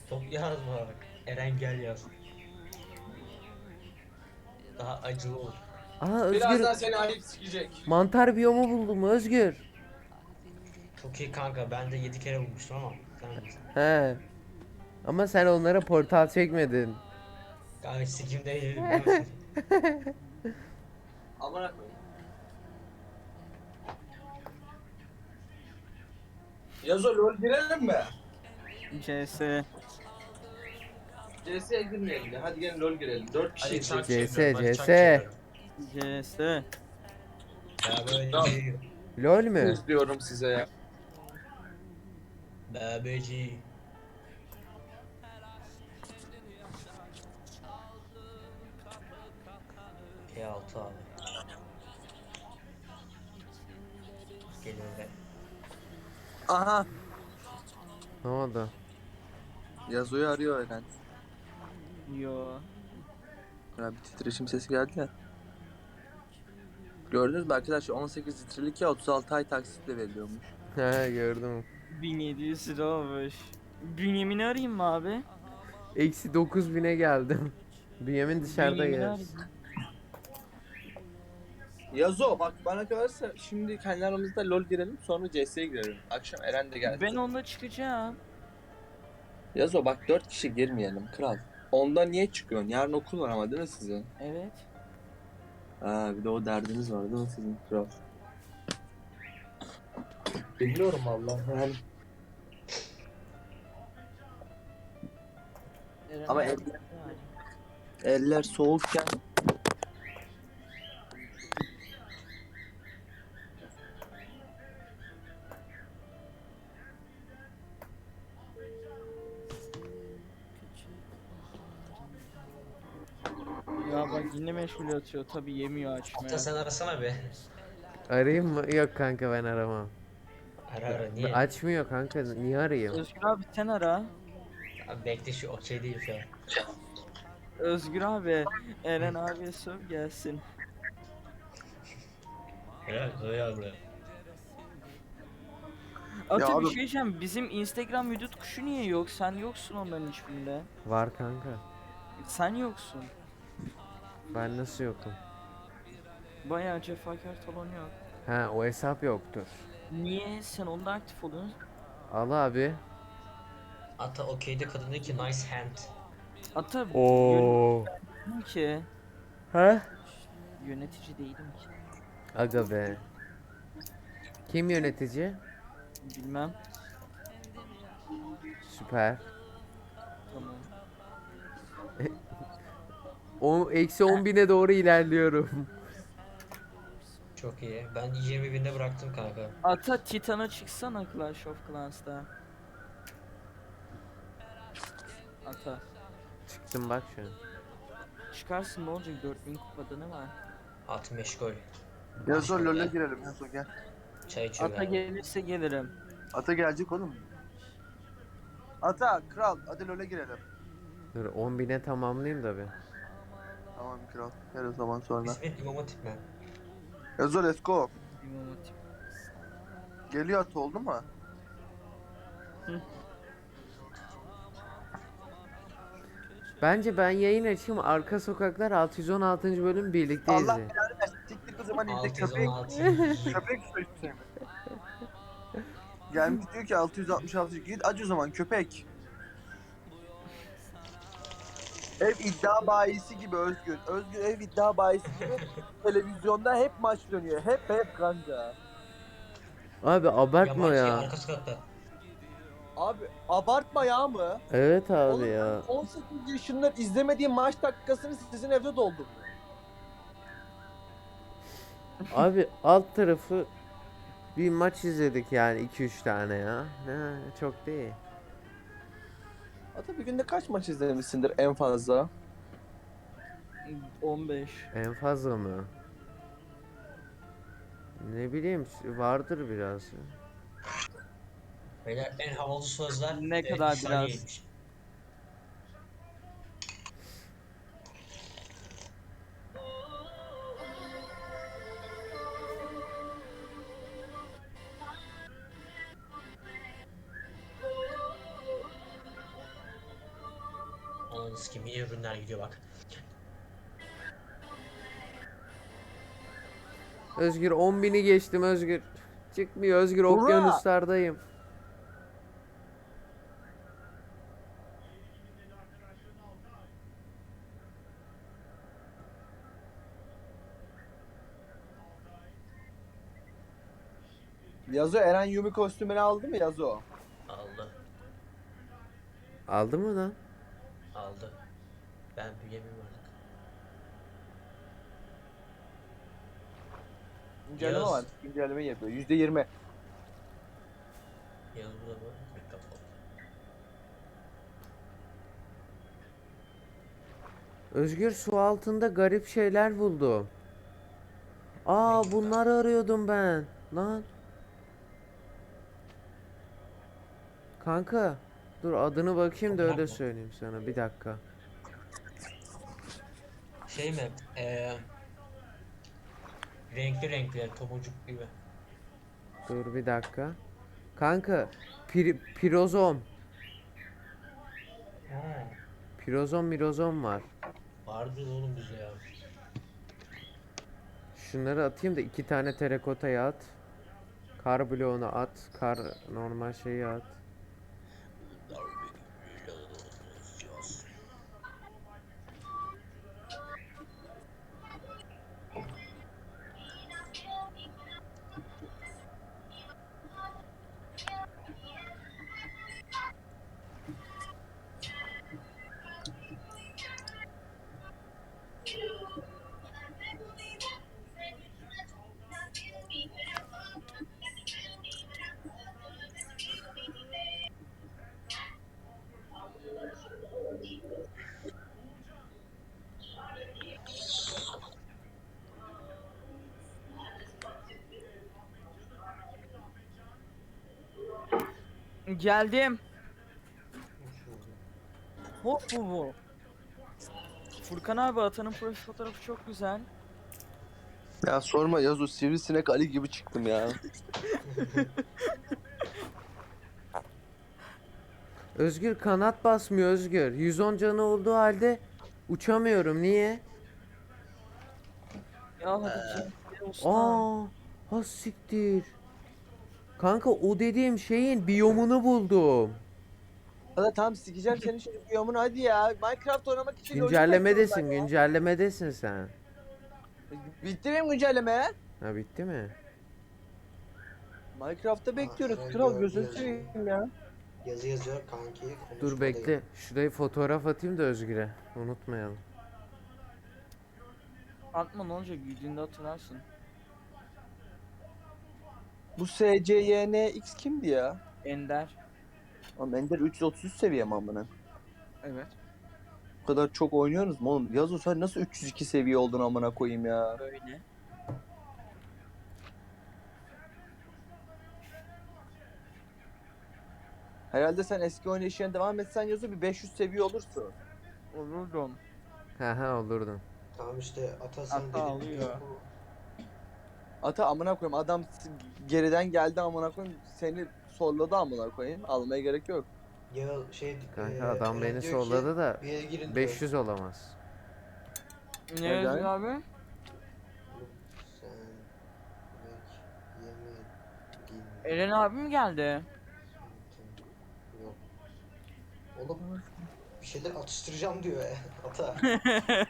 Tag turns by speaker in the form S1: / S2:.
S1: Çok yazma bak. Eren gel yaz. Daha acılı olur.
S2: Aa Özgür,
S3: Birazdan seni ayıp sikecek.
S2: mantar biyomu buldum Özgür.
S1: Çok iyi kanka. Ben de 7 kere bulmuştum ama. Sen bilirsin.
S2: He. Ama sen onlara portal çekmedin.
S1: Kanka sikim değil biliyor musun?
S3: Amına koyayım. Yazo lol girelim mi?
S4: CS.
S3: CS'ye girmeyelim ya. Hadi gelin lol girelim. 4 kişi
S1: Hadi çark
S3: girecek.
S2: CS,
S1: çeviriyorum. Hadi çark
S2: CS.
S1: çeviriyorum.
S4: CS.
S1: Babacı.
S2: LOL mü?
S3: İzliyorum size ya.
S1: Babacı. P6 abi. Geliyor be.
S3: Aha.
S2: Ne oldu?
S3: Yazo'yu arıyor Eren.
S4: Yo.
S3: Ya bir titreşim sesi geldi ya. Gördünüz mü arkadaşlar 18 litrelik ya 36 ay taksitle veriliyormuş.
S2: He gördüm.
S4: 1700 lira olmuş. Bünyamin'i arayayım mı abi?
S2: Eksi 9000'e geldim. Bünyamin dışarıda
S4: Bünyamin'i
S2: yer.
S4: arayayım.
S3: Yazo bak bana kalırsa şimdi kendi aramızda lol girelim sonra CS'ye girelim. Akşam Eren de gelsin.
S4: Ben onunla çıkacağım.
S3: Yazo bak 4 kişi girmeyelim kral. Onda niye çıkıyorsun? Yarın okul var ama değil mi sizin?
S4: Evet.
S3: Ha bir de o derdiniz var değil mi sizin kral? Biliyorum Allah yani.
S4: Eren
S3: Ama
S4: abi,
S3: el-
S4: yani.
S3: Eller soğukken
S4: Ya bak yine meşgul atıyor. Tabi yemiyor
S1: Hatta
S4: açmaya.
S1: sen arasana be.
S2: Arayayım mı? Yok kanka ben aramam.
S1: Ara ara niye?
S2: Açmıyor kanka. Niye arayayım?
S4: Özgür abi sen ara.
S1: Abi bekle şu okey değil şu an.
S4: Özgür abi. Eren abiye sor gelsin.
S1: Helal koy buraya.
S4: Ata
S3: abi-
S4: bir şey diyeceğim. Bizim Instagram vücut kuşu niye yok? Sen yoksun onların hiçbirinde.
S2: Var kanka.
S4: Sen yoksun.
S2: Ben nasıl yokum?
S4: Bayağı cefakar talon yok.
S2: Ha o hesap yoktur.
S4: Niye? Sen onda aktif oluyorsun.
S2: Al abi.
S1: Ata okeyde kadın dedi ki nice hand.
S4: Ata
S2: Oo.
S4: yönetici ki.
S2: Ha?
S4: Yönetici değilim ki.
S2: Aga be. Kim yönetici?
S4: Bilmem.
S2: Süper.
S4: Tamam.
S2: O eksi 10.000'e doğru ilerliyorum.
S1: Çok iyi. Ben 20 binde bıraktım kanka.
S4: Ata Titan'a çıksana Clash of Clans'ta. Ata.
S2: Çıktım bak şu an.
S4: Çıkarsın ne olacak 4000 kupada ne var?
S1: At meşgul.
S3: Yazo
S1: Başla
S3: LoL'e
S1: be.
S3: girelim Yazo gel.
S1: Çay içiyor
S4: Ata
S1: galiba.
S4: gelirse gelirim.
S3: Ata gelecek oğlum. Ata kral hadi LoL'e girelim.
S2: Dur 10.000'e tamamlayayım da bir.
S3: Tamam kral gel o zaman sonra.
S1: İsmet İmam Hatip mi?
S3: Yazo let's go.
S4: İmam Hatip.
S3: Geliyor Ata oldu mu?
S2: Bence ben yayın açayım, Arka Sokaklar 616. bölüm birlikte
S3: Allah
S2: izleyelim.
S3: belanı versin. Siktir o zaman izle köpek.
S1: 616.
S3: Köpek sözü. Gelmiş diyor ki 666 git aç o zaman köpek. Ev iddia bayisi gibi Özgür. Özgür ev iddia bayisi gibi televizyonda hep maç dönüyor. Hep kanka.
S2: Abi abartma
S1: Yabancı
S2: ya.
S1: arka sokakta.
S3: Abi abartma ya mı?
S2: Evet abi
S3: Oğlum,
S2: ya.
S3: 18 yaşında izlemediğim maç dakikasını sizin evde doldum.
S2: Abi alt tarafı bir maç izledik yani 2-3 tane ya. Ne çok değil.
S3: Hatta bir günde kaç maç izlemişsindir en fazla?
S4: 15.
S2: En fazla mı? Ne bileyim vardır biraz.
S1: Beyler en havalı sözler
S4: Ne kadar
S1: 3 saniye
S4: biraz?
S1: geçmiş. Ananı sikeyim yine ürünler gidiyor bak.
S2: Özgür 10.000'i geçtim Özgür. Çıkmıyor Özgür,
S3: Hurra!
S2: okyanuslardayım.
S3: Yazo Eren Yumi kostümünü aldı mı Yazo?
S1: Aldı.
S2: Aldı mı lan?
S1: Aldı. Ben büyüyemem artık.
S3: Güncelleme
S1: Yaz.
S3: var. Güncelleme yapıyor. %20.
S1: Yaz burada mı? Mikrofon.
S2: Özgür su altında garip şeyler buldum. Aa, bunları arıyordum ben. Lan. Kanka dur adını bakayım da öyle söyleyeyim sana, bir dakika.
S1: Şey mi? Renkli renkli tomurcuk gibi.
S2: Dur bir dakika. Kanka pirozom.
S1: Ha.
S2: Pirozom mirozom var.
S1: Vardı oğlum bizde ya.
S2: Şunları atayım da 2 tane terakotayı at. Kar bloğunu at. Kar normal şeyi at.
S4: Geldim. Hop bu. Furkan abi, atanın profil fotoğrafı çok güzel.
S3: Ya sorma Yazo, sivrisinek Ali gibi çıktım ya.
S2: Özgür kanat basmıyor Özgür. 110 canı olduğu halde uçamıyorum. Niye?
S4: Ya hadi gel usta.
S2: Aa, ha siktir. Kanka o dediğim şeyin biyomunu buldum.
S3: Hadi tamam, sikeceğim senin şu biyomunu hadi ya. Minecraft oynamak için lojik
S2: Güncellemedesin,
S3: açıyorum ben ya.
S2: güncellemedesin sen.
S3: Bitti benim güncelleme.
S2: Ha, bitti mi?
S3: Minecraft'ta bekliyoruz.
S1: Eren
S3: Kral
S1: gördü
S3: gözünü
S1: yazıyı.
S3: seveyim ya.
S1: Yazı yazıyor kanki.
S2: Dur
S1: konuşmadayım.
S2: bekle. Şurayı fotoğraf atayım da Özgür'e. Unutmayalım.
S4: Atma, ne olacak, büyüdüğünde hatırlarsın.
S3: Bu SCYNX kimdi ya?
S4: Ender.
S3: Ama Ender 333 seviye mi amına?
S4: Evet.
S3: Bu kadar çok oynuyorsunuz mu oğlum? Yazo sen nasıl 302 seviye oldun amına koyayım ya?
S4: Böyle.
S3: Herhalde sen eski oynayışına devam etsen Yazo bir 500 seviye olursun.
S4: Olurdum.
S2: Ha olurdun.
S1: Tamam işte ata sen
S4: Ata
S1: dedin.
S4: alıyor.
S3: Ata amına koyayım, adam geriden geldi amına koyayım, seni solladı amına koyayım. Almaya gerek yok.
S1: Ya şey
S2: Kanka adam
S1: Eren
S2: beni
S1: diyor ki,
S2: solladı da
S1: bir yere girin diyor.
S2: 500 olamaz.
S4: Ne
S3: Neden?
S4: yazıyor abi?
S1: Oğlum, sen yemek yemedin.
S4: Eren abi mi geldi?
S1: Yok. Oğlum bir şeyler atıştıracağım diyor ya ata.